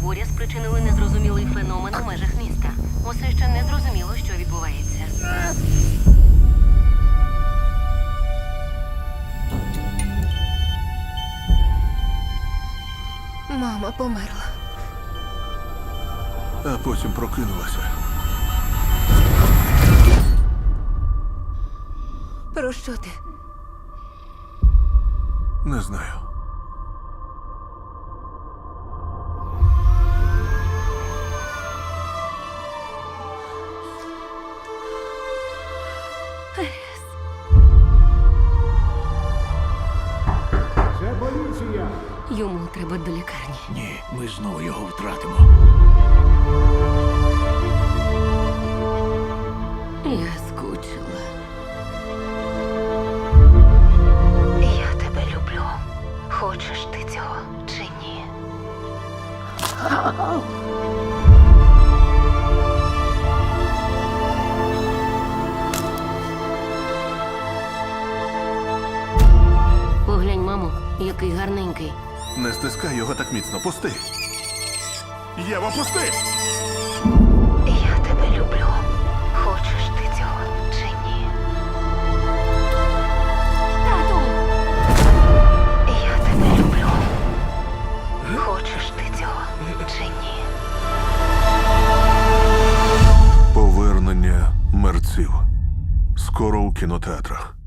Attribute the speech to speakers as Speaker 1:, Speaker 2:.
Speaker 1: буря спричинили незрозумілий феномен у межах міста. Усе ще не зрозуміло, що відбувається.
Speaker 2: Мама померла.
Speaker 3: А потім прокинулася.
Speaker 2: Про що ти?
Speaker 3: Не знаю.
Speaker 4: Це поліція!
Speaker 1: Йому треба до лікарні.
Speaker 5: Ні, ми знову його втратимо.
Speaker 1: Я скучила.
Speaker 2: Я тебе люблю. Хочеш ти цього чи ні?
Speaker 1: Поглянь, мамо, який гарненький.
Speaker 3: Не стискай його так міцно. Пусти. Єва, пусти!
Speaker 2: Я тебе люблю. Хочеш ти цього чи ні?
Speaker 1: Тату!
Speaker 2: Я тебе люблю. Хочеш ти цього чи ні?
Speaker 3: Повернення мерців. Скоро у кінотеатрах.